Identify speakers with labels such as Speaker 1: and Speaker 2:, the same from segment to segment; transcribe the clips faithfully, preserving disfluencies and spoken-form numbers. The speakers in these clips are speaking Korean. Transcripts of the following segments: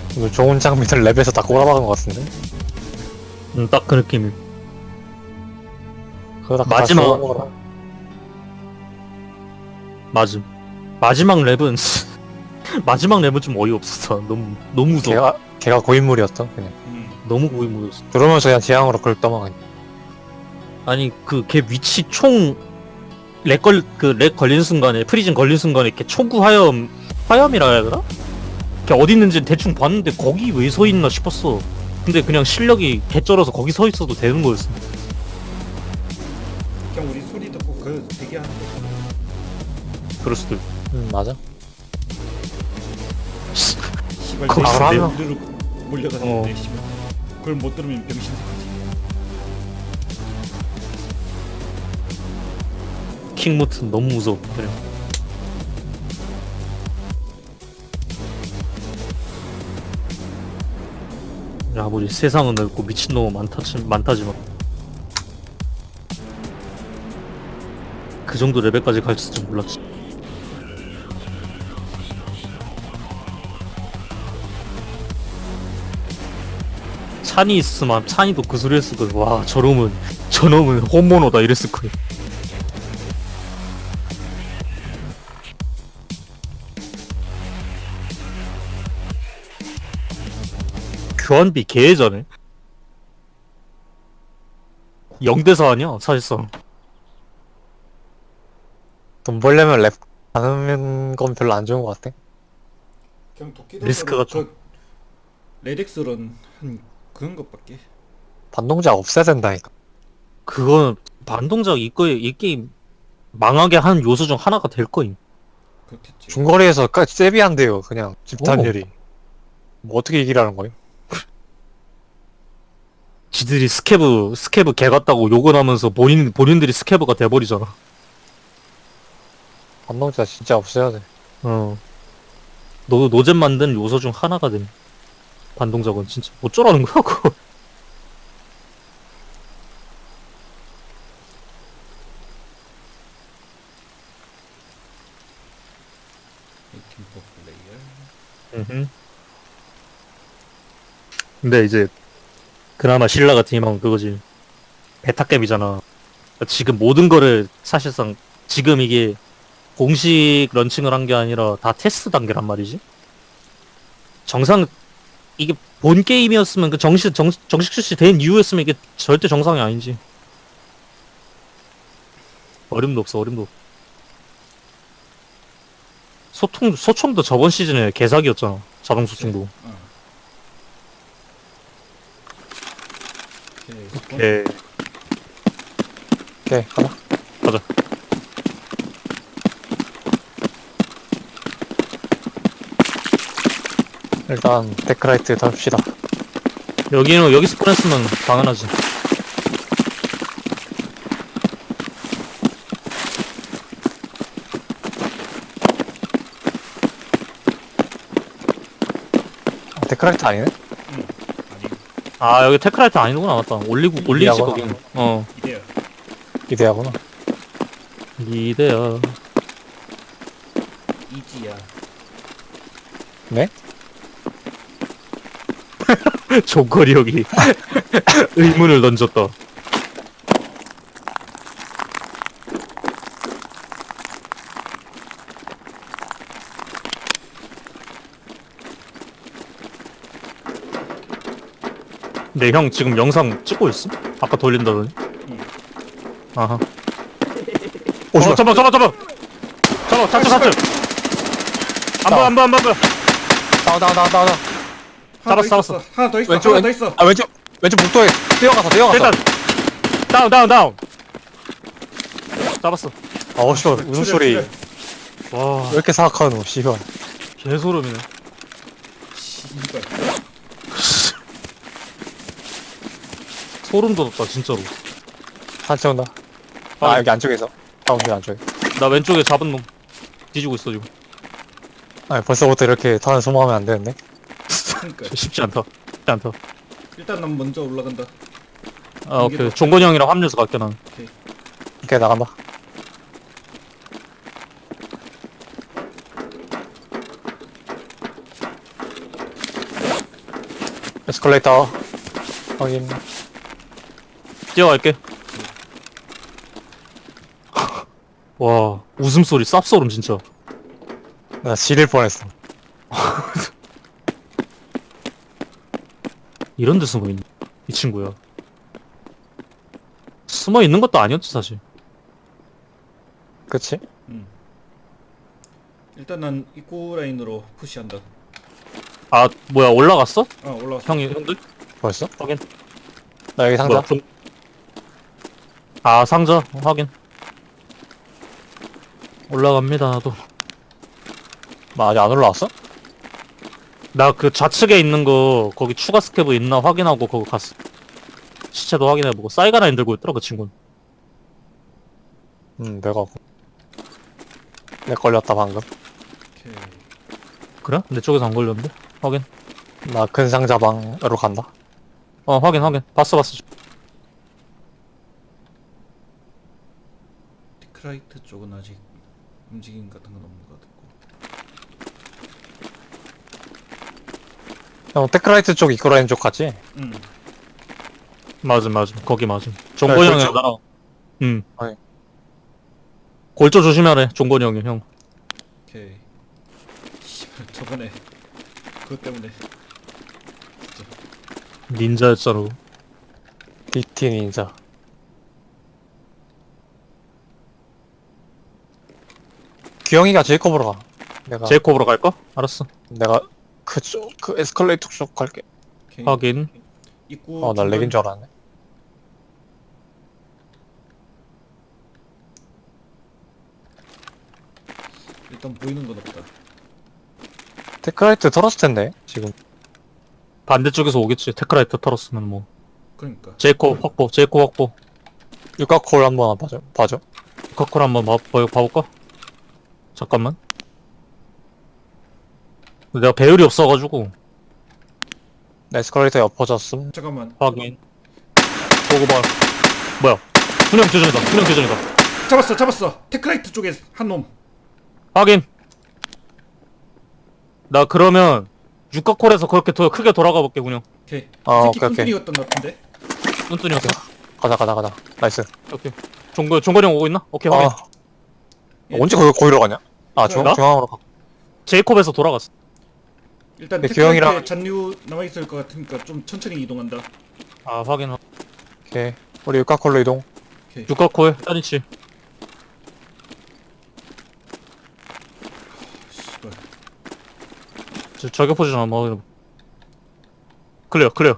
Speaker 1: 이거 좋은 장비들 랩에서 다 꼬라박은 것 같은데?
Speaker 2: 음, 딱 그 느낌이.
Speaker 1: 그러다
Speaker 2: 마지막- 맞음. 마지막 랩은 마지막 랩은 좀 어이없었어. 너무 너무 무서워.
Speaker 1: 걔가 걔가 고인물이었어 그냥.
Speaker 3: 음.
Speaker 2: 너무 고인물이었어.
Speaker 1: 들어오면서 그냥 재앙으로 그걸 떠먹은.
Speaker 2: 아니 그 걔 위치 총 렉 걸 그 렉 걸린 순간에 프리즌 걸린 순간에 걔 초구 화염 화염이라 해야 되나? 걔 어디 있는지 대충 봤는데 거기 왜 서 있나 싶었어. 근데 그냥 실력이 개쩔어서 거기 서 있어도 되는 거였어.
Speaker 3: 그냥 우리 소리 듣고 그 대기하는 거.
Speaker 2: 그럴 수도 있고.
Speaker 1: 음 맞아.
Speaker 3: 시발
Speaker 2: 거기서
Speaker 3: 내
Speaker 1: 내가-
Speaker 3: 우르르 몰려가는데
Speaker 2: 어.
Speaker 3: 시발. 그걸 못 들으면 병신 새끼지.
Speaker 2: 킹무트 너무 무서워. 그래. 야, 뭐지 세상은 넓고 미친놈은 많다지, 많다지만 그 정도 레벨까지 갈 줄 몰랐지. 찬이 있으면 찬이도 그 소리 했을 거야. 와, 저놈은 저놈은 홈모노다 이랬을 거야. 교환비 개해자네. 영 대 사 아니야 사실상.
Speaker 1: 돈 벌려면 랩 하는 건 별로 안 좋은 것 같아.
Speaker 3: 그냥 도끼도
Speaker 2: 리스크가
Speaker 3: 그 레덱스런 한 그런 것밖에.
Speaker 1: 반동작 없애야 된다니까.
Speaker 2: 그거는 반동작 이거에 이 게임 망하게 하는 요소 중 하나가 될 거임.
Speaker 3: 그렇겠지.
Speaker 1: 중거리에서 까지 세비한데요 그냥 집탄율이. 뭐 어떻게 이기라는 거예요?
Speaker 2: 지들이 스케브 스케브 개 같다고 욕을 하면서 본인 본인들이 스케브가 돼버리잖아.
Speaker 1: 반동작 진짜 없애야 돼.
Speaker 2: 어. 너 노잼 만든 요소 중 하나가 됨. 반동작은 진짜 어쩌라는 거야 그거.
Speaker 3: 팀포 플레이어.
Speaker 2: 음흠. 근데 이제 그나마 신라 같은 희망은 그거지. 베타겜이잖아. 지금 모든 거를 사실상 지금 이게 공식 런칭을 한 게 아니라 다 테스트 단계란 말이지. 정상 이게 본 게임이었으면 그 정식 정, 정식 출시된 이후였으면 이게 절대 정상이 아니지. 어림도 없어 어림도 없어. 소통 소총도 저번 시즌에 개사기였잖아. 자동 소총도.
Speaker 3: 어. 오케이.
Speaker 2: 오케이.
Speaker 1: 오케이 가자.
Speaker 2: 가자.
Speaker 1: 일단 데크라이트 덮시다.
Speaker 2: 여기는 여기 스폰했으면 당연하지.
Speaker 1: 아, 데크라이트 아니네?
Speaker 3: 응. 아니
Speaker 2: 아 여기 테크라이트 아니구나. 맞다. 올리고 올리지
Speaker 1: 이하구나.
Speaker 2: 거긴. 어.
Speaker 3: 이래요.
Speaker 1: 이대야구나.
Speaker 2: 이대야.
Speaker 3: 이지야.
Speaker 1: 네?
Speaker 2: 종거리 여기 의문을 던졌다. 네, 형 지금 영상 찍고 있어? 아까 돌린다더니.
Speaker 3: 응.
Speaker 2: 아하.
Speaker 1: 오,
Speaker 2: 어,
Speaker 1: 씨발.
Speaker 2: 잡아, 잡아, 잡아. 잡아, 잡자, 잡자. 안 봐, 안 봐, 안 봐, 안 봐.
Speaker 1: 나와 나와 나와 나와.
Speaker 3: 하나 더
Speaker 2: 잡았어,
Speaker 3: 있었어. 하나 더 있어.
Speaker 1: 왼쪽
Speaker 3: 하나 더
Speaker 1: 왼-
Speaker 3: 있어.
Speaker 1: 아 왼쪽 왼쪽 복도에 뛰어가서 뛰어가서.
Speaker 2: 일단 다운, 다운, 다운. 잡았어.
Speaker 1: 아 씨발 웃음소리
Speaker 3: 출혈,
Speaker 1: 왜
Speaker 2: 와,
Speaker 1: 이렇게 사악하노 씨발.
Speaker 2: 개소름이네.
Speaker 3: 씨발.
Speaker 2: 소름 돋았다, 진짜로.
Speaker 1: 한치 온다. 아 여기 안쪽에서. 가운데 안쪽에.
Speaker 2: 나 왼쪽에 잡은 놈 뒤지고 있어 지금.
Speaker 1: 아 벌써부터 이렇게 탄을 소모하면 안 되는데.
Speaker 3: 그러니까.
Speaker 2: 쉽지 않다. 쉽지 않다.
Speaker 3: 일단 난 먼저 올라간다.
Speaker 2: 아, 오케이. 종건이 형이랑 합류해서 갈게 난.
Speaker 1: 오케이 나간다. 에스컬레이터 확인.
Speaker 2: 뛰어갈게. 와 웃음소리 쌉소름 진짜.
Speaker 1: 나 지릴 뻔했어.
Speaker 2: 이런 데 숨어 있네 이 친구야. 숨어 있는 것도 아니었지 사실.
Speaker 1: 그치?
Speaker 3: 음. 일단 난 입구 라인으로 푸시한다.
Speaker 2: 아 뭐야 올라갔어?
Speaker 3: 아 올라왔어.
Speaker 2: 형이 형들?
Speaker 1: 벌써?
Speaker 2: 확인.
Speaker 1: 나 여기 상자.
Speaker 2: 뭐야, 좀... 아 상자 어, 확인. 올라갑니다 나도.
Speaker 1: 나 아직 안 올라왔어?
Speaker 2: 나 그 좌측에 있는 거 거기 추가 스캐브 있나 확인하고 거기 갔어. 시체도 확인해보고 사이가라인 들고 있더라 그 친구는.
Speaker 1: 응, 내가. 내 걸렸다, 방금.
Speaker 3: 오케이.
Speaker 2: 그래? 내 쪽에서 안 걸렸는데? 확인.
Speaker 1: 나 큰 상자 방으로 간다.
Speaker 2: 어 확인 확인. 봤어 봤어.
Speaker 3: 디크라이트 쪽은 아직 움직임 같은 건 없는 것 같고.
Speaker 1: 형, 테크라이트 쪽 이끌어낸 쪽 갔지?
Speaker 3: 음.
Speaker 2: 맞음 맞음 거기 맞음. 종건이
Speaker 1: 네,
Speaker 2: 형이랑
Speaker 1: 골조.
Speaker 2: 나랑. 응.
Speaker 1: 아니.
Speaker 2: 골조 조심하래 종건이 형이 형.
Speaker 3: 오케이. 씨발 저번에 그것 때문에
Speaker 2: 닌자였잖아.
Speaker 1: 디티 닌자. 규영이가 제이콥으로 가. 내가,
Speaker 2: 제이콥으로 갈까? 알았어.
Speaker 1: 내가 그쪽, 그 에스컬레이터 쪽 갈게.
Speaker 3: 오케이.
Speaker 2: 확인.
Speaker 3: 입구
Speaker 1: 어, 나
Speaker 3: 중간-
Speaker 1: 렉인 줄 알았네.
Speaker 3: 일단 보이는 건 없다.
Speaker 1: 테크라이트 털었을 텐데, 지금.
Speaker 2: 반대쪽에서 오겠지. 테크라이트 털었으면 뭐.
Speaker 3: 그러니까.
Speaker 2: 제이콥 확보. 제이콥 확보.
Speaker 1: 육각콜 한번 봐줘. 봐줘.
Speaker 2: 커컬 한번 봐, 봐, 봐볼까? 잠깐만. 내가 배율이 없어가지고.
Speaker 1: 에스컬레이터에 엎어졌음.
Speaker 3: 잠깐만.
Speaker 2: 확인. 보고 봐. 뭐야? 분명 교전이다. 분명 교전이다.
Speaker 3: 잡았어, 잡았어. 테크라이트 쪽에 한 놈.
Speaker 2: 확인. 나 그러면 육각콜에서 그렇게 더 크게 돌아가 볼게 그냥.
Speaker 3: 오케이.
Speaker 1: 어,
Speaker 3: 새끼
Speaker 1: 오케이, 오케이.
Speaker 3: 뚱뚱이였던 것 같은데.
Speaker 2: 뚠뚠이었어.
Speaker 1: 가자, 가자, 가자. 나이스.
Speaker 2: 오케이. 종거 종거리 형 오고 있나? 오케이 확인.
Speaker 1: 아, 언제 거기, 거기로 가냐? 아, 중,
Speaker 2: 나?
Speaker 1: 중앙으로 가.
Speaker 2: 제이콥에서 돌아갔어.
Speaker 3: 일단
Speaker 1: 근데
Speaker 3: 테크라이트에
Speaker 1: 규형이랑-
Speaker 3: 잔류 남아 있을 것 같으니까 좀 천천히 이동한다.
Speaker 2: 아 확인.
Speaker 1: 오케이. 우리 육각콜로 이동.
Speaker 2: 육각콜 짜리치.
Speaker 3: 씨발.
Speaker 2: 저, 저격 포지션 한번 확인해. 클리어 클리어.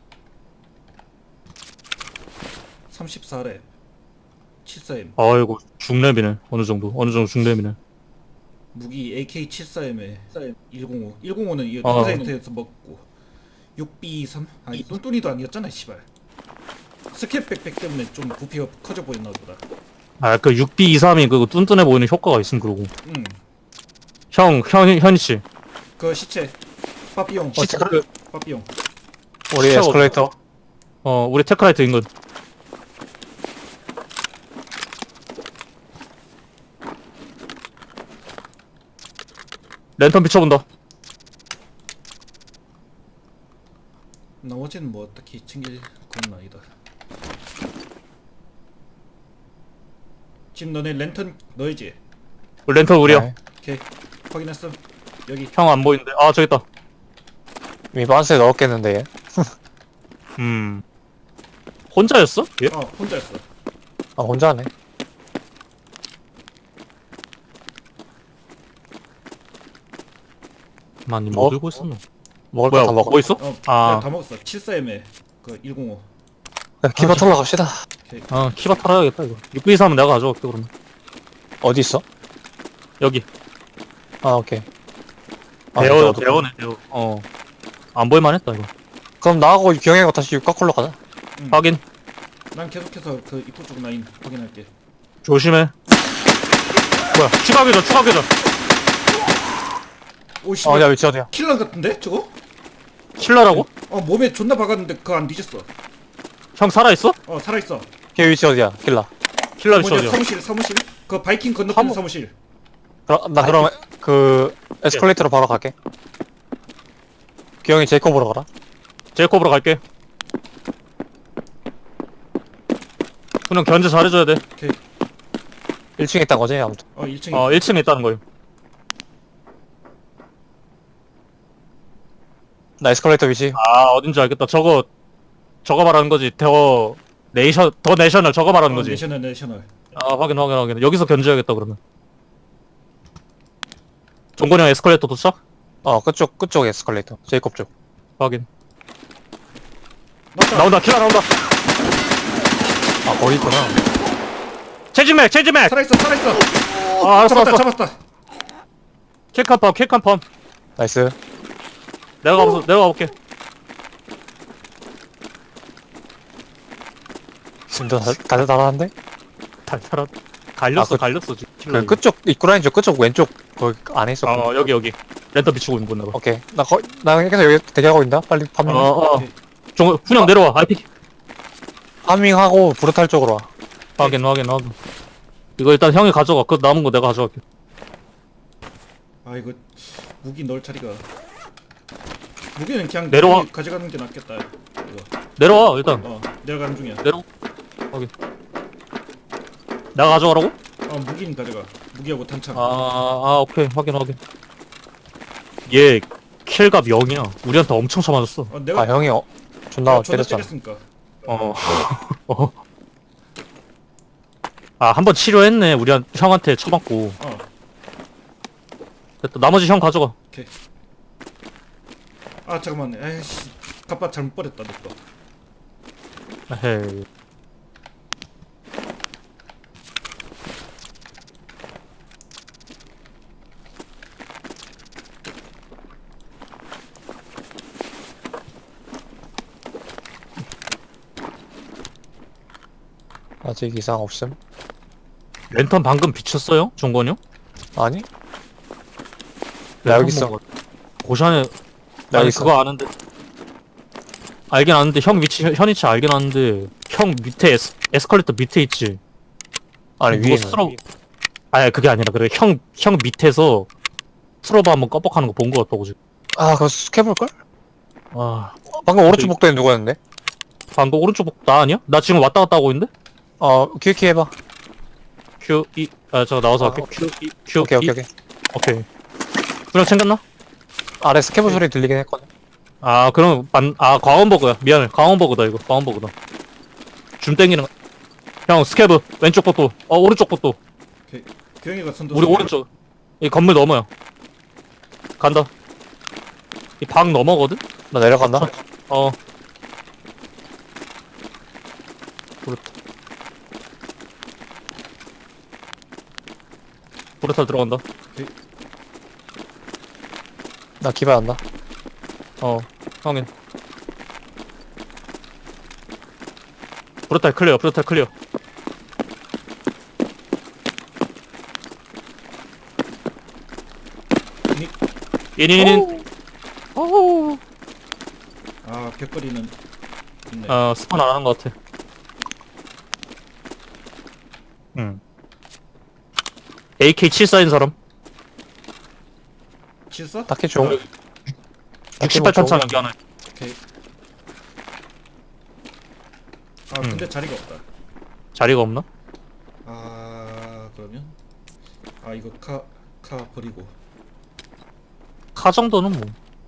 Speaker 3: 삼십사 렙. 칠십사 엠.
Speaker 2: 아이고 중렙이네. 어느 정도 어느 정도 중렙이네.
Speaker 3: 무기 에이케이 칠십사 엠에 일공오. 일공오는 이
Speaker 2: 어.
Speaker 3: 디자인트에서 먹고. 육 비 이십삼? 아니 뚠뚠이도 아니었잖아 씨발. 스캡 백팩 때문에 좀 부피가 커져 보였나 보다.
Speaker 2: 아 그 육 비 이십삼이 그 뚠뚠해 보이는 효과가 있음 그러고.
Speaker 3: 응.
Speaker 2: 형형 현희 씨.
Speaker 3: 그 시체. 빠삐용.
Speaker 1: 어, 테크,
Speaker 3: 빠삐용.
Speaker 1: 우리
Speaker 2: 시체가
Speaker 1: 에스컬레이터.
Speaker 2: 어 우리 테크라이트 인근. 랜턴 비춰본다.
Speaker 3: 나머지는 뭐 딱히 챙길 건 아니다. 지금 너네 랜턴 너희지?
Speaker 2: 랜턴 우리야.
Speaker 1: 네.
Speaker 3: 오케이. 확인했어. 여기.
Speaker 2: 형 안 보이는데. 아 저기 있다.
Speaker 1: 이미 반스에 넣었겠는데, 얘.
Speaker 2: 음. 혼자였어? 예?
Speaker 3: 어 혼자였어.
Speaker 1: 아, 혼자 하네.
Speaker 2: 많이
Speaker 1: 어?
Speaker 2: 뭐 들고 있었노?
Speaker 1: 먹을
Speaker 2: 뭐야
Speaker 1: 거 다 먹어.
Speaker 2: 뭐 있어?
Speaker 3: 어,
Speaker 2: 아.
Speaker 3: 아. 다 먹었어. 칠십사 엠에 그 일공오.
Speaker 1: 야, 기바 털러 갑시다.
Speaker 2: 아 키바 털어야겠다 이거. 육 비 이십삼은 내가 가져갈게 그러면.
Speaker 1: 어디 있어?
Speaker 2: 여기.
Speaker 1: 아, 오케이. 아,
Speaker 2: 대어
Speaker 1: 진짜 어둡다.
Speaker 2: 대어네 대어. 어. 안 보일만했다 이거.
Speaker 1: 그럼 나하고 경혜가 다시 육각콜로 가자.
Speaker 3: 응.
Speaker 2: 확인.
Speaker 3: 난 계속해서 그 입구 쪽 라인 확인할게.
Speaker 2: 조심해. 뭐야? 추가 교전 추가 교전.
Speaker 3: 오
Speaker 1: 어,
Speaker 3: 씨발.
Speaker 1: 어디야, 위치 어디야?
Speaker 3: 킬러 같은데 저거?
Speaker 2: 킬러라고?
Speaker 3: 어 몸에 존나 박았는데 그거 안 뒤졌어.
Speaker 2: 형 살아 있어?
Speaker 3: 어 살아 있어.
Speaker 1: 걔 위치 어디야? 킬라.
Speaker 2: 킬러 위치
Speaker 3: 뭐냐
Speaker 2: 어디야?
Speaker 3: 사무실 사무실. 그 바이킹 건너편
Speaker 1: 사무-
Speaker 3: 사무실.
Speaker 1: 그럼, 나 그럼, 그, 에스컬레이터로 바로 갈게. 기영이 제이콥으로 가라.
Speaker 2: 제이콥으로 갈게. 그냥 견제 잘해줘야 돼.
Speaker 3: 오케이.
Speaker 1: 일 층에 있단 거지 아무튼.
Speaker 3: 어 일 층에
Speaker 2: 어 일 층에 있다는 거예요.
Speaker 1: 나 에스컬레이터 위치.
Speaker 2: 아 어딘지 알겠다. 저거 저거 말하는 거지. 더 네이션 더 내셔널 저거 말하는
Speaker 3: 어,
Speaker 2: 거지.
Speaker 3: 내셔널 내셔널.
Speaker 2: 아 확인 확인 확인. 여기서 견제해야겠다 그러면. 종건이 형 에스컬레이터 도착?
Speaker 1: 어 그쪽 그쪽 에스컬레이터. 제이콥 쪽.
Speaker 2: 확인.
Speaker 3: 나왔다.
Speaker 2: 나온다 킬러 나온다.
Speaker 1: 아 거기 있구나.
Speaker 2: 체지맥 체지맥.
Speaker 3: 살아있어 살아있어.
Speaker 2: 아 알았어
Speaker 3: 잡았다
Speaker 2: 알았어.
Speaker 3: 잡았다.
Speaker 2: 킬칸 펌 킬칸 펌.
Speaker 1: 나이스.
Speaker 2: 내가 가서 내가 가볼게.
Speaker 1: 진짜 달달달한데?
Speaker 2: 달달한. 갈렸어
Speaker 1: 아, 그-
Speaker 2: 갈렸어 지금. 킬러.
Speaker 1: 그 끝쪽 입구라인저 끝쪽 왼쪽 거기 안에 있었고.
Speaker 2: 어 여기 여기. 랜턴 비추고 있는 건가 봐.
Speaker 1: 오케이. 나 거, 나 계속 여기 대기하고 있다. 빨리 파밍.
Speaker 2: 어어.
Speaker 3: 오케이.
Speaker 2: 종 훈영 내려와. 아이피.
Speaker 1: 파밍하고 브루탈 쪽으로 와.
Speaker 2: 확인 확인 확인. 이거 일단 형이 가져가. 그 남은 거 내가 가져갈게.
Speaker 3: 아 이거 무기 넣을 자리가. 무기는 그냥
Speaker 2: 내려와.
Speaker 3: 여기 가져가는 게 낫겠다. 이거.
Speaker 2: 내려와 일단.
Speaker 3: 어 내려가는 중이야.
Speaker 2: 내려. 확인. 내가 가져가라고?
Speaker 3: 어 무기는 가져가. 무기하고 탄창.
Speaker 2: 아, 아 오케이 확인 확인. 얘 킬갑 영이야. 우리한테 엄청 쳐맞았어.
Speaker 3: 어 내가
Speaker 1: 아 형이 어, 존나
Speaker 3: 어, 존나
Speaker 1: 때렸잖아.
Speaker 3: 때렸으니까.
Speaker 2: 어. 어. 아 한 번 치료했네. 우리한 형한테 쳐맞고.
Speaker 3: 어
Speaker 2: 됐다. 나머지 형 가져가.
Speaker 3: 아 잠깐만. 에이씨 갑바 잘못 버렸다 너 거.
Speaker 2: 에헤이.
Speaker 1: 아직 이상 없음.
Speaker 2: 랜턴 방금 비쳤어요? 종건이 형?
Speaker 1: 아니? 나 여기 있어.
Speaker 2: 고시안에
Speaker 1: 나
Speaker 2: 아니
Speaker 1: 여기 있어.
Speaker 2: 그거 아는데 알긴 아는데 형 위치 현 위치 알긴 아는데 형 밑에 에스, 에스컬레이터 밑에 있지.
Speaker 1: 아니
Speaker 2: 누가
Speaker 1: 위에
Speaker 2: 스트로 아니 그게 아니라 그래 형 형 밑에서 스트로브 한번 껌뻑하는 거 본 거 같다고 지금.
Speaker 1: 아 그거 스캐볼걸?
Speaker 2: 아
Speaker 1: 방금 오른쪽 복도에 누구였는데?
Speaker 2: 방금 오른쪽 복- 나 아니야? 나 지금 왔다 갔다 하고 있는데?
Speaker 1: 어 큐키 해봐.
Speaker 2: Q E 아 저 나와서
Speaker 1: 아,
Speaker 2: 할게.
Speaker 1: 오케이.
Speaker 2: Q E Q
Speaker 1: 오케이
Speaker 2: E
Speaker 1: 오케이 오케이.
Speaker 2: 오케이. 그냥 챙겼나?
Speaker 1: 아래 스캐볼 소리 들리긴 했거든.
Speaker 2: 아 그럼 만, 아 광원버그야. 미안해. 광원버그다 이거. 광원버그다. 줌 땡기는 거. 형 스캐브 왼쪽 복도. 어 오른쪽 복도.
Speaker 3: 규영이가 선도.
Speaker 2: 우리 오른쪽. 이 건물 넘어요. 간다. 이 방 넘어거든?
Speaker 1: 나 내려간다.
Speaker 2: 어. 그렇다. 브루탈 들어간다.
Speaker 1: 나 기발한다.
Speaker 2: 어, 형인. 브루탈 클리어, 브루탈 클리어.
Speaker 3: 닉.
Speaker 2: 인인인. 오.
Speaker 3: 아 벽걸이는 있네.
Speaker 2: 어, 스폰 안 하는 것 같아. 응. 에이케이 칠십사인 사람?
Speaker 3: 칠사?
Speaker 1: 딱히 좋은.
Speaker 2: 어, 육십팔 탄창 여기 하나.
Speaker 3: 오케이. 아
Speaker 2: 음.
Speaker 3: 근데 자리가 없다.
Speaker 2: 자리가 없나?
Speaker 3: 아 그러면 아 이거 카 카 버리고.
Speaker 2: 카 정도는 뭐.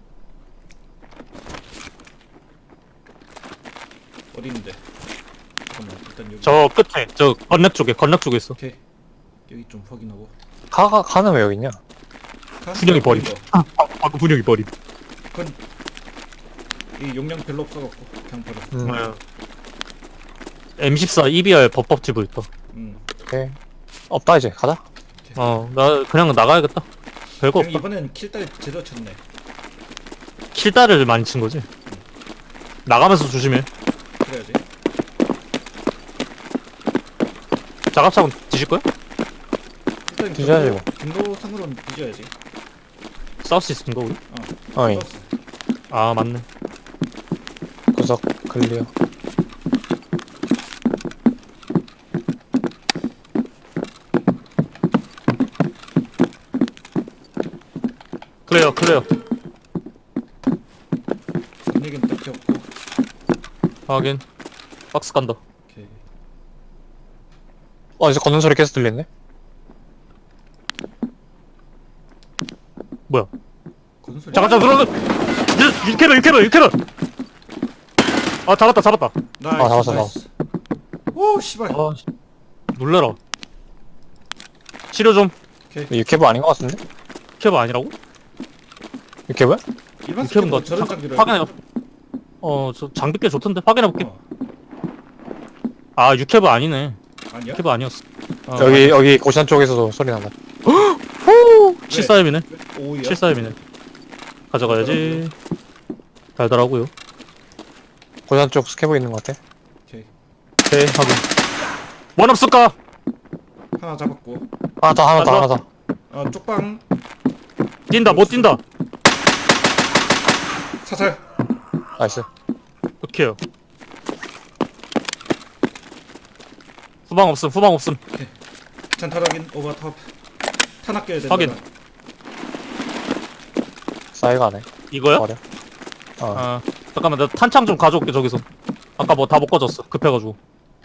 Speaker 3: 어디 있는데? 잠깐만 일단 여기.
Speaker 2: 저 끝에, 저 건랩 쪽에, 건랩 쪽에 있어.
Speaker 3: 오케이. 여기 좀 확인하고.
Speaker 1: 가가 가는 왜 여기 있냐?
Speaker 3: 카?
Speaker 2: 분명히 버림.
Speaker 3: 이거.
Speaker 2: 아, 방금 분위기 버림.
Speaker 3: 그건 이 용량 별로 없어갖고 그냥 버려.
Speaker 1: 음.
Speaker 2: 네. 엠 십사 이비알 법법집을 있다.
Speaker 3: 음.
Speaker 1: 오케이. 없다 이제 가자.
Speaker 2: 어, 나 그냥 나가야겠다. 별거
Speaker 3: 그냥
Speaker 2: 없다.
Speaker 3: 이번엔 킬딸 제대로 쳤네.
Speaker 2: 킬다를 많이 친 거지. 나가면서 조심해.
Speaker 3: 그래야지.
Speaker 2: 자갑차고 뒤질 거야?
Speaker 3: 일단
Speaker 1: 뒤져야지,
Speaker 3: 경로, 경로상으로는 뒤져야지.
Speaker 2: 싸울 수 있는 거 우리?
Speaker 1: 어이.
Speaker 3: 싸웠어.
Speaker 2: 아 맞네.
Speaker 1: 구석 클리어.
Speaker 2: 클레어 클레어.
Speaker 3: 분위기는 딱히 없고.
Speaker 2: 확인. 박스 간다.
Speaker 3: 오케이.
Speaker 1: 어 이제 걷는 소리 계속 들리네.
Speaker 2: 뭐야?
Speaker 3: 거는 소리.
Speaker 2: 잠깐 잠깐 들어. 육 캐럴 육 캐럴 육 캐럴. 아 잡았다 잡았다.
Speaker 3: 나이스.
Speaker 1: 아, 잡았어,
Speaker 3: 나이스. 오 씨발.
Speaker 2: 아 씨. 놀래라. 치료 좀.
Speaker 1: 유캐브 아닌 것 같은데?
Speaker 2: 캐브 아니라고?
Speaker 1: 유캐브?
Speaker 3: 일반
Speaker 2: 캐브인 것
Speaker 3: 스킬은 저런
Speaker 2: 같아.
Speaker 3: 장비를.
Speaker 2: 확인해. 어저 장비 꽤 좋던데 확인해 볼게.
Speaker 3: 어.
Speaker 2: 아 육캐브 아니네.
Speaker 3: 아니야?
Speaker 2: 캐브 아니었어. 어,
Speaker 1: 여기 여기 고시안 쪽에서도 소리 난다.
Speaker 2: 칠사엠이네.
Speaker 3: 오야.
Speaker 2: 칠사엠이네. 가져가야지. 달달하고요.
Speaker 1: 고시안 쪽 스캐브 있는 것 같아.
Speaker 3: 오케이.
Speaker 2: 오케이 확인. 원 없을까?
Speaker 3: 하나 잡았고.
Speaker 1: 하나 더 하나 더
Speaker 2: 가져와.
Speaker 1: 하나 더.
Speaker 3: 아 쪽방
Speaker 2: 뛴다 못 뛴다.
Speaker 3: 사살.
Speaker 1: 나이스.
Speaker 2: 오케이요. 후방 없음 후방 없음.
Speaker 3: 잔탈 확인. 오버탑. 탄 아껴야 된다.
Speaker 2: 확인.
Speaker 3: 나.
Speaker 1: 사이가 안 해.
Speaker 2: 이거야?
Speaker 1: 버려. 어.
Speaker 2: 아 잠깐만 나 탄창 좀 가져올게 저기서. 아까 뭐 다 못 가졌어 급해가지고.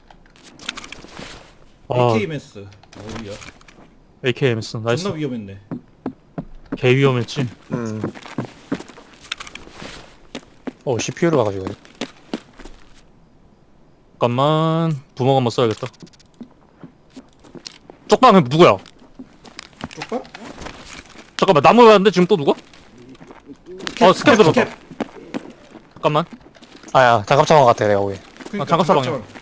Speaker 2: 아
Speaker 3: 에이케이엠에스. 오야.
Speaker 2: 에이케이엠에스 나이스.
Speaker 3: 존나 위험했네.
Speaker 2: 개 위험했지.
Speaker 1: 음. 어 씨피유를 가가지고.
Speaker 2: 잠깐만 부먹 한번 써야겠다. 쪽방은 누구야?
Speaker 3: 쪽방?
Speaker 2: 잠깐만 나무 왔는데 지금 또 누가? 어 스캔 들었다.
Speaker 3: 캡.
Speaker 2: 잠깐만.
Speaker 1: 아야 장갑 차만 같아 내가 보기.
Speaker 3: 그러니까
Speaker 2: 아, 장갑 사방이야.
Speaker 3: 장갑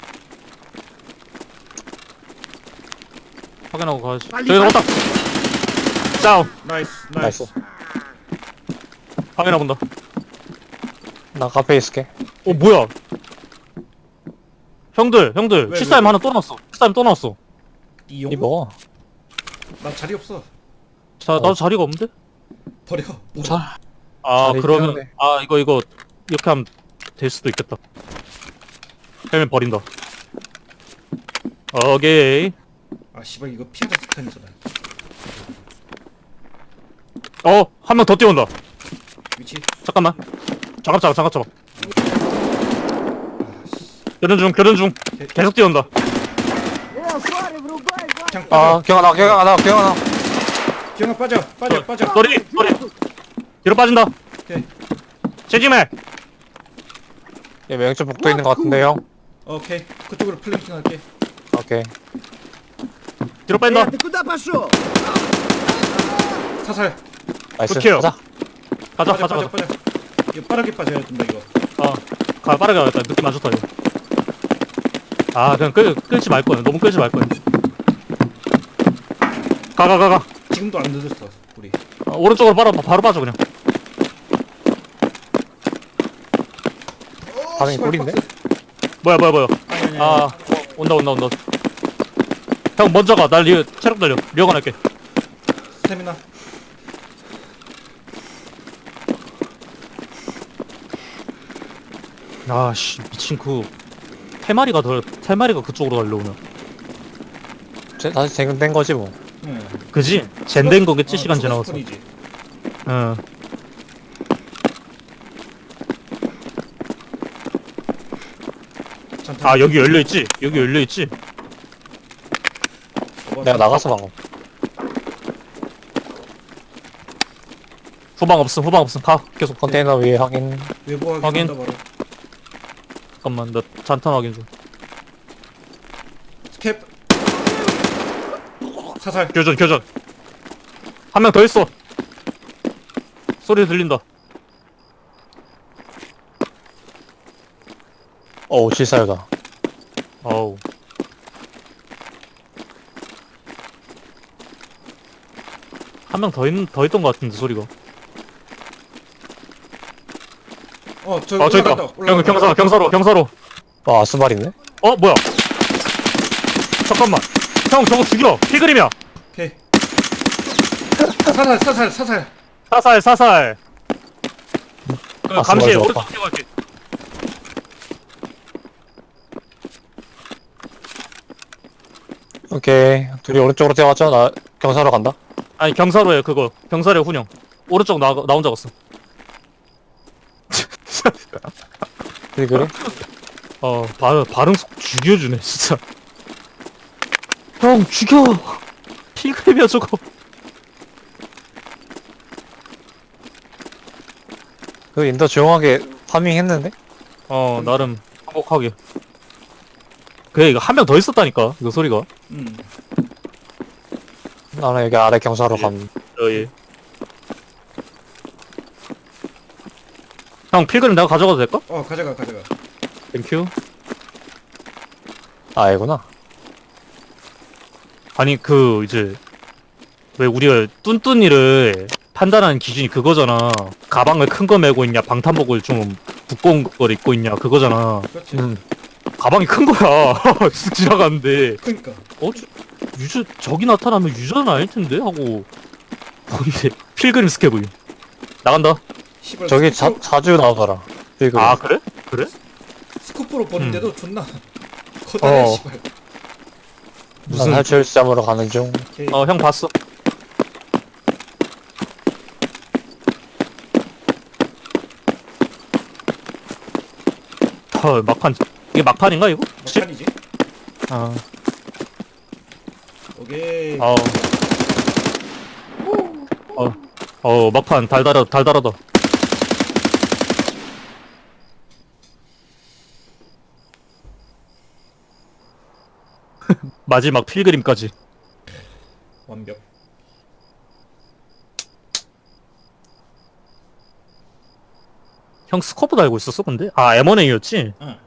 Speaker 2: 확인하고 가야지. 저기 왔다. 다운.
Speaker 3: 나이스. 나이스.
Speaker 1: 나이스.
Speaker 2: 확인해 본다.
Speaker 1: 나 카페에 있을게.
Speaker 2: 어 뭐야? 형들 형들
Speaker 3: 왜,
Speaker 2: 칠사엠
Speaker 3: 왜?
Speaker 2: 하나 또 나왔어. 칠사엠 또 나왔어.
Speaker 3: 이용?
Speaker 1: 이 먹어.
Speaker 3: 나 자리 없어.
Speaker 2: 자 나도 자리가 없는데?
Speaker 3: 버려.
Speaker 1: 자.
Speaker 2: 아
Speaker 1: 자리
Speaker 2: 그러면
Speaker 1: 필요한데.
Speaker 2: 아 이거 이거 이렇게 하면 될 수도 있겠다. 헬멧 버린다. 오케이.
Speaker 3: 아 씨발 이거 피하자 스탄이잖아.
Speaker 2: 어 한 명 더 뛰어온다.
Speaker 3: 위치.
Speaker 2: 잠깐만. 장갑 잡아 장갑 잡아.
Speaker 3: 아 씨.
Speaker 2: 교전 중 교전 중. 계속 뛰어온다.
Speaker 3: 그냥
Speaker 1: 아
Speaker 3: 빠져.
Speaker 1: 기억나 나 기억나 나 기억나 나.
Speaker 3: 기영아 빠져. 빠져. 빠져.
Speaker 2: 소리 소리. 뒤로 빠진다.
Speaker 3: 오케이.
Speaker 2: 체지매.
Speaker 1: 얘 맹점 복도 있는 것 같은데 형.
Speaker 3: 오케이. 그쪽으로 플랭킹 할게.
Speaker 1: 오케이.
Speaker 2: 뒤로 뺀다.
Speaker 3: 사살.
Speaker 1: 나이스.
Speaker 2: 오케이요.
Speaker 1: 가자.
Speaker 2: 가자
Speaker 3: 빠져
Speaker 2: 가자
Speaker 3: 빠져
Speaker 2: 가자.
Speaker 3: 빠져. 이거 빠르게 빠져야 된다 이거.
Speaker 2: 어, 가 빠르게 가겠다. 느낌 안 좋다 이거. 아, 그냥 끌 끌지 말 거야. 너무 끌지 말 거야. 가 가 가 가.
Speaker 3: 지금도 안 늦었어 우리.
Speaker 2: 어, 오른쪽으로 바로 바로 빠져 그냥.
Speaker 1: 반응이
Speaker 3: 씨발,
Speaker 1: 꿀인데?
Speaker 3: 박스.
Speaker 2: 뭐야 뭐야 뭐야.
Speaker 3: 아니 아니.
Speaker 2: 아, 어, 온다 온다 온다. 형 먼저 가. 날 리, 체력 달려. 리어가 날게.
Speaker 3: 스태미나.
Speaker 2: 아씨 미친 그 태마리가 더 태마리가 그쪽으로 달려오면.
Speaker 1: 제, 다시 재근된 거지 뭐.
Speaker 3: 응.
Speaker 2: 그지? 젠된 거겠지
Speaker 3: 어,
Speaker 2: 시간
Speaker 3: 저거
Speaker 2: 지나가서.
Speaker 3: 스폰이지.
Speaker 2: 응.
Speaker 3: 잔탄.
Speaker 2: 아 여기 열려 있지. 여기 열려 있지.
Speaker 3: 저거
Speaker 1: 내가 나갔어 방금.
Speaker 2: 후방 없음 후방 없음. 가 계속.
Speaker 1: 컨테이너 위에 확인.
Speaker 3: 외부
Speaker 2: 확인.
Speaker 3: 확인한다 바로.
Speaker 2: 잠깐만 나 잔탄 확인 좀.
Speaker 3: 스캡. 사살.
Speaker 2: 교전 교전. 한 명 더 있어. 소리 들린다.
Speaker 1: 어 실사유다.
Speaker 2: 어우. 한 명 더 있, 더 있던 것 같은데 소리가.
Speaker 3: 어 저기
Speaker 2: 아 저기 있다.
Speaker 3: 올라간다.
Speaker 2: 경, 경사로 경사로 경사로.
Speaker 1: 와 아스발이네.
Speaker 2: 어 뭐야? 잠깐만. 형 저거 죽여. 피그림이야.
Speaker 3: 오케이. 사살 사살 사살.
Speaker 2: 사살 사살. 그
Speaker 1: 아,
Speaker 2: 감시해.
Speaker 1: 좋아, 좋아.
Speaker 2: 오른쪽 뛰어갈게.
Speaker 1: 오케이. 둘이 오른쪽으로 뛰어갔죠? 나 경사로 간다.
Speaker 2: 아니 경사로에 그거. 경사로에 훈영. 오른쪽 나, 나 혼자 갔어.
Speaker 1: 그래 그래.
Speaker 2: 어 발, 발음 속 죽여주네 진짜. 형 죽여. 필그램이야 저거.
Speaker 1: 그 인더 조용하게 파밍 했는데?
Speaker 2: 어 나름 행복하게. 그래 이거 한 명 더 있었다니까 이거 소리가.
Speaker 3: 음.
Speaker 1: 나는 여기 아래 경사로
Speaker 2: 예.
Speaker 1: 감.
Speaker 2: 어예. 형 필그램 내가 가져가도 될까?
Speaker 3: 어 가져가 가져가.
Speaker 2: 땡큐.
Speaker 1: 아이구나.
Speaker 2: 아니 그 이제 왜 우리가 뚠뚠이를 판단하는 기준이 그거잖아. 가방을 큰 거 메고 있냐 방탄복을 좀 두꺼운 걸 입고 있냐 그거잖아.
Speaker 3: 그렇지.
Speaker 1: 음.
Speaker 2: 가방이 큰 거야. 쓱 지나가는데
Speaker 3: 그러니까.
Speaker 2: 어 주, 유저 적이 나타나면 유저는 아닐 텐데 하고 뭔데 필그림 스케브 나간다.
Speaker 3: 씨발
Speaker 1: 저기 자,
Speaker 3: 스쿠프,
Speaker 1: 자주 나오더라. 이거.
Speaker 2: 아 그래? 그래?
Speaker 3: 스쿠프로 보는데도 존나 커다래
Speaker 2: 어.
Speaker 3: 씨발.
Speaker 1: 무슨 탈출점으로 가는 중.
Speaker 3: 오케이.
Speaker 2: 어 형 봤어. 헐 막판 이게 막판인가 이거?
Speaker 3: 막판이지.
Speaker 2: 아,
Speaker 3: 오케이.
Speaker 2: 어, 어, 어 막판 달달하 달달하다. 마지막 필그림까지.
Speaker 3: 완벽.
Speaker 2: 형 스코프 달고 있었어 근데? 아 엠원에이였지?
Speaker 3: 응.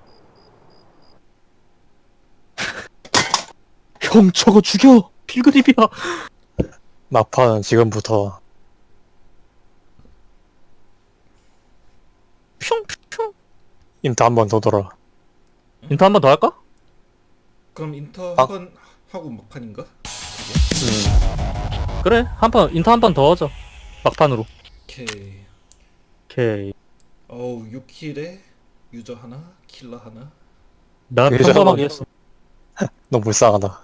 Speaker 2: 형 저거 죽여! 필그림이야.
Speaker 1: 막판은 지금부터.
Speaker 2: 뿅뿅.
Speaker 1: 인터 한 번 더 돌아.
Speaker 2: 인터 한 번 더 할까?
Speaker 3: 그럼 인터
Speaker 1: 아.
Speaker 3: 한 번 하고 막판인가?
Speaker 1: 음.
Speaker 2: 그래 한 번 인터 한 번 더 하자. 막판으로.
Speaker 3: 오케이.
Speaker 2: 오케이.
Speaker 3: 어우 육 킬에 유저 하나, 킬러 하나.
Speaker 2: 난
Speaker 1: 그래서
Speaker 2: 평범하게
Speaker 1: 한번-
Speaker 2: 했어.
Speaker 1: 너무 불쌍하다.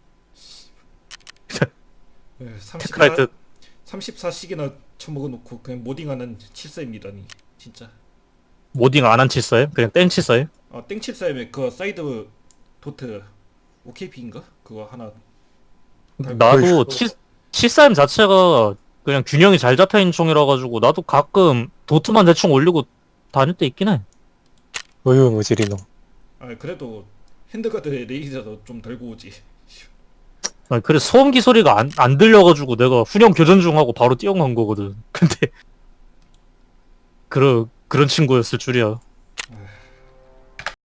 Speaker 3: 네, 삼십사,
Speaker 2: 테크라이트
Speaker 3: 삼십사 씩이나 처먹어놓고 그냥 모딩하는 칠사입니다니 진짜.
Speaker 2: 모딩 안 한 칠사임? 그냥 땡 칠사임?
Speaker 3: 아 땡칠사임에 그 사이드 도트 오케이피인가? 그거 하나.
Speaker 2: 나도 치, 칠사임 자체가 그냥 균형이 잘 잡혀있는 총이라 가지고 나도 가끔 도트만 대충 올리고 다닐 때 있긴 해.
Speaker 1: 의유무질이 놈.
Speaker 3: 아 그래도 핸드가드에 레이저도 좀 달고 오지.
Speaker 2: 아니, 그래 소음기 소리가 안, 안 들려가지고 내가 훈련 교전 중 하고 바로 뛰어간 거거든. 근데 그런 그런 친구였을 줄이야.